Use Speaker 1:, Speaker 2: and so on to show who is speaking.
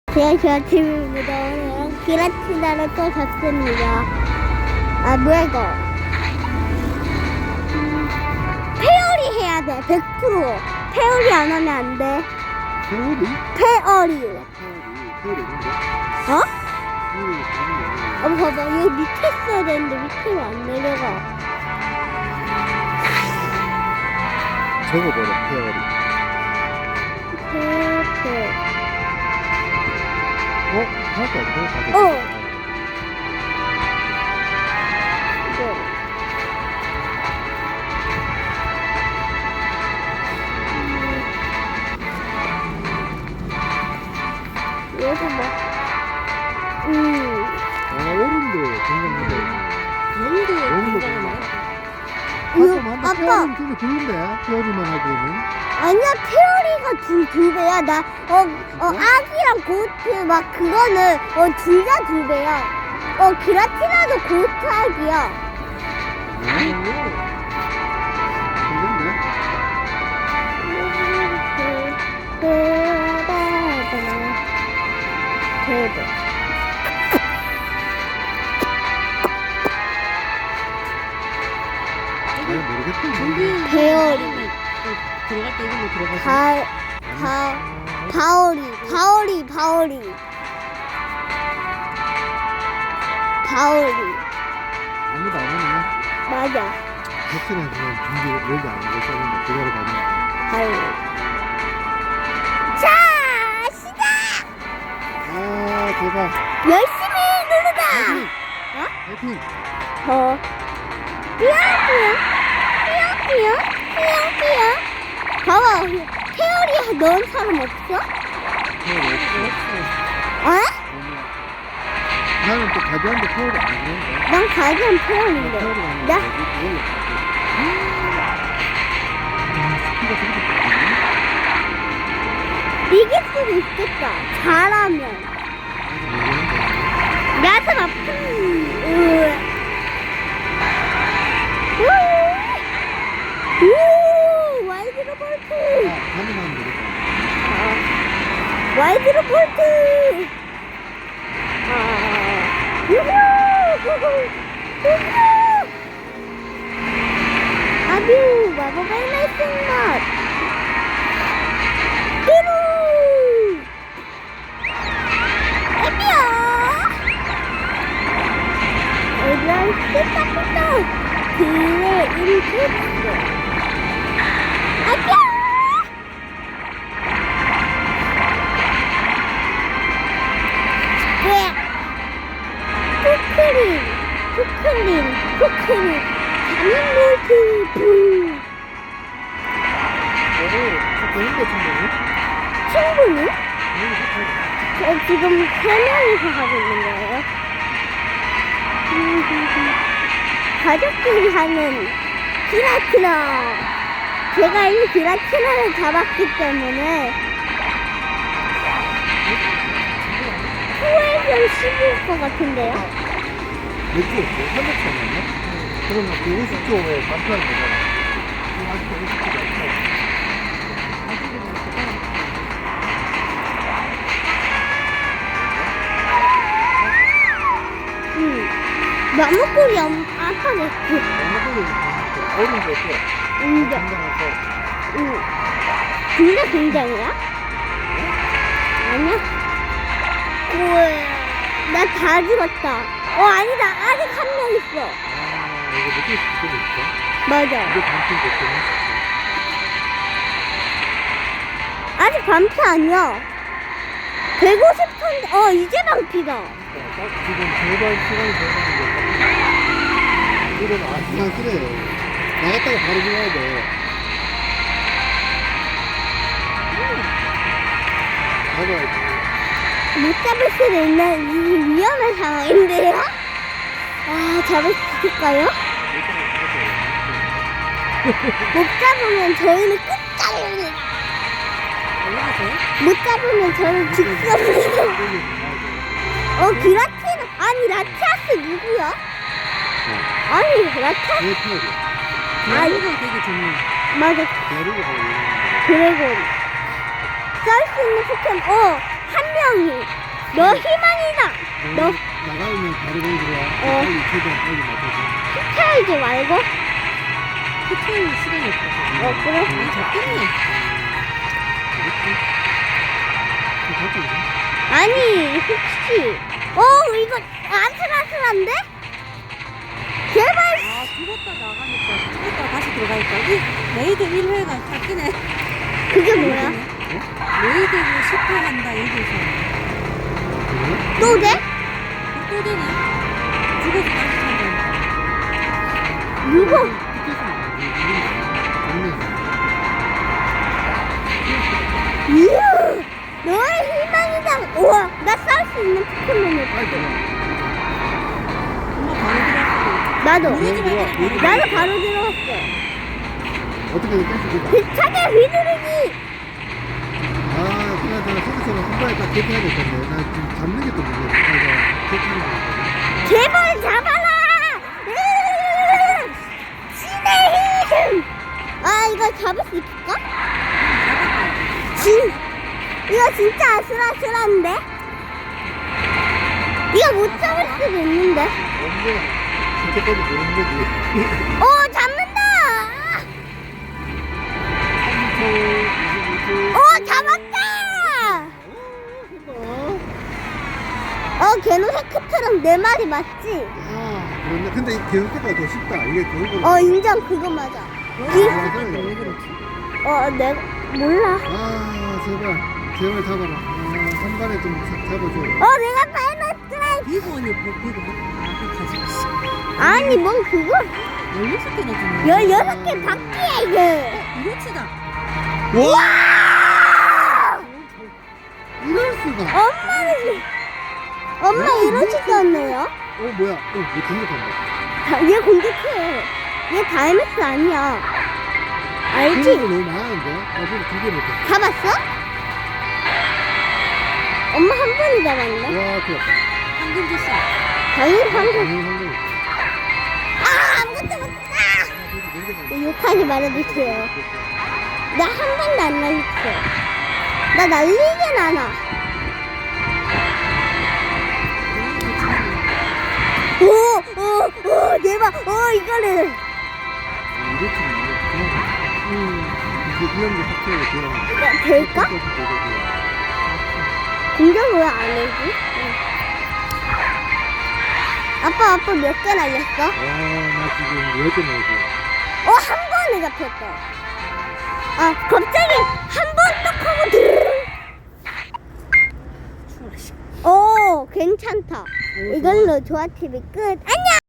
Speaker 1: 제가 팀입니다. 오늘은 기라티나를 또 잡습니다. 아, 뭐야 이거? 페어리 해야 돼. 100%. 페어리 안 하면 안 돼.
Speaker 2: 페어리?
Speaker 1: 페어리.
Speaker 2: 페어리 뭔데?
Speaker 1: 어?
Speaker 2: 페어리 아니야.
Speaker 1: 봐봐. 여기 밑에 써야 되는데 밑으로 안 내려가.
Speaker 2: 적어버려, 페어리.
Speaker 1: 페.
Speaker 2: 할거 없어?
Speaker 1: 어. 여기 뭐?
Speaker 2: 어른도 굉장히
Speaker 1: 뭔데?
Speaker 2: 아빠
Speaker 1: 아빠.
Speaker 2: 페어리는 되게 좋은데? 페어리만 하기에는.
Speaker 1: 아니야, 페어리가 두 배야. 아기랑 고트, 막, 그거는, 둘 다 두 배야. 기라티나도 고트 아기야.
Speaker 2: 좋은데?
Speaker 1: 대박.
Speaker 2: 잘 모르겠다.
Speaker 1: 페어리.
Speaker 3: 들어갈 때 이걸로 들어가서
Speaker 1: 바오리.
Speaker 2: 아무도 안 하네.
Speaker 1: 맞아.
Speaker 2: 객실에서 그냥 준비 여기 안 하고 썼는데 그대로 가는 거야.
Speaker 1: 바오리. 자, 시작!
Speaker 2: 아, 대박.
Speaker 1: 열심히 누르다!
Speaker 2: 화이팅!
Speaker 1: 삐용. 봐봐, 페어리 넣은 사람 없어?
Speaker 2: 페어리 없어.
Speaker 1: 어?
Speaker 2: 나는 또 가디언도 페어리 안 하는데.
Speaker 1: 난 가디언 페어리인데.
Speaker 2: 페어리 안
Speaker 1: 나?
Speaker 2: 하는데. 그걸로 스피가 되게
Speaker 1: 이길 수도 있겠다. 잘하면. 나도 아픈. 오, 와이드로 볼트.
Speaker 2: 가능한 거겠다.
Speaker 1: 와이드로 볼트. 유후. 아뷰, 마법의 날쌘맛. 삐루. 애들 삐딱삐딱 그의 인풋 아빠 왜 푸크린 자민몰트 붕
Speaker 2: 되는데 충분히?
Speaker 1: 친구는? 저 지금 3명이서 하고 있는 거예요. 가족들이 하는 기라티나. 제가 이 기라티나를 잡았기 때문에 후회전 10일 것 같은데요?
Speaker 2: 몇 주였어? 300초 아니야? 그러면 그 50초에 반피하는 거잖아. 지금 아직도 50초가 없어.
Speaker 1: 나무꾼이 아파졌지.
Speaker 2: 어린 거 없어.
Speaker 1: 인정.
Speaker 2: 건강하고.
Speaker 1: 둘 다 굉장이야? 아니야? 우와, 나 다 죽었다. 아니다. 아직 한 명 있어.
Speaker 2: 아, 이거 몇개 있어?
Speaker 1: 맞아.
Speaker 2: 이게 반피 됐구나.
Speaker 1: 아직 반피 아니야. 150턴, 이제 반피다.
Speaker 2: 지금 제발 시간이 되는 이건 시간 쓰래. 나갔다가 바로 들어가야 돼. 잡아야지.
Speaker 1: 못 잡을 수도 있는 이 위험한 상황인데요? 잡을 수 있을까요? 못 잡으면 저희는 끝장입니다. 못 잡으면 저는 직선으로. 기라티나. 아니, 라티아스 누구야? 아니, 라티아스.
Speaker 2: 왜 피하게?
Speaker 3: 이거 되게 좋네.
Speaker 1: 맞아.
Speaker 2: 데리고 가고 있는
Speaker 1: 드래곤. 썰 수 있는 포켓몬, 한 명이. 너 희망이다. 너
Speaker 2: 나가면 바로 거기 들어와.
Speaker 1: 어.
Speaker 2: 빨리 최대한 빨리 맞춰서.
Speaker 1: 태우지 말고.
Speaker 3: 호텔 시간이 없어서.
Speaker 1: 그래?
Speaker 3: 아, 잡겠네.
Speaker 1: 아니, 혹시. 이거 아슬아슬한데? 제발.
Speaker 3: 아, 죽었다 나가니까. 죽었다 다시 들어가니까. 이 레이드 1회가 잡히네.
Speaker 1: 그게 뭐야?
Speaker 3: 레이드를 실패한다, 여기서.
Speaker 1: 또 돼?
Speaker 3: 또 되네. 죽어서 다시 산다.
Speaker 1: 누구? 이야, 너의 희망이다. 우와, 나 싸울 수 있는 포켓몬을.
Speaker 3: 엄마 바로 들어갔어.
Speaker 1: 나도.
Speaker 3: 누르지 말고
Speaker 1: 나도 바로 들어갔어.
Speaker 2: 어떻게 깰수 있을까?
Speaker 1: 비차게 휘두르기.
Speaker 2: 아, 그나저나 선수처럼 한 번에 딱 대피해야 될 건데. 나 지금 잡는 게 또 문제야. 내가 대피하는 거.
Speaker 1: 제발 잡아라. 신의 힘. 이거 잡을 수 있을까? 이거 진짜 아슬아슬한데? 이거 못 잡을 수도 있는데.
Speaker 2: 언제 그때까지 모르는 거지.
Speaker 1: 잡는다.
Speaker 2: 3초, 25초.
Speaker 1: 잡았다. 개노세크처럼 내 말이 맞지?
Speaker 2: 그런데 근데 이 개수가 더 쉽다. 이게 결국은.
Speaker 1: 인정. 그거 맞아.
Speaker 3: 왜 그렇지?
Speaker 1: 내가 몰라.
Speaker 2: 제발 잡아라. 한 발에 좀 잡아줘.
Speaker 1: 내가 파이널
Speaker 3: 비고 언니 비고. 아, 그 가지.
Speaker 1: 아니 뭔 그거
Speaker 3: 16개나 주네.
Speaker 1: 16개 바퀴야 이게.
Speaker 3: 이거치다.
Speaker 2: 와! 이럴 수가.
Speaker 1: 엄마 이러지도 않네요.
Speaker 2: 뭐야? 왜 공격한다?
Speaker 1: 얘 공격해. 얘 다이맥스 아니야. 알지?
Speaker 2: 공격이 너무 많은데? 나 지금 2개 못했어.
Speaker 1: 잡았어? 엄마 한 번이 잡았네.
Speaker 2: 와, 좋았다.
Speaker 3: 황금 줬어.
Speaker 1: 당연히 방금.
Speaker 2: 황금.
Speaker 1: 아무것도 못했다. 욕하지 말아주세요. 나 한 번도 안 날렸어. 나 날리진 않아. 대박. 이거를.
Speaker 2: 이렇게 이게 이형도 삭제하고 돌아가.
Speaker 1: 야, 될까? 공격 왜 안 해지? 아빠 몇 개 날렸어?
Speaker 2: 나 지금 10개 나오지.
Speaker 1: 한 번에 잡혔다. 갑자기 한 번 딱 하고 드르르. 괜찮다. 이걸로 조아TV 끝. 안녕!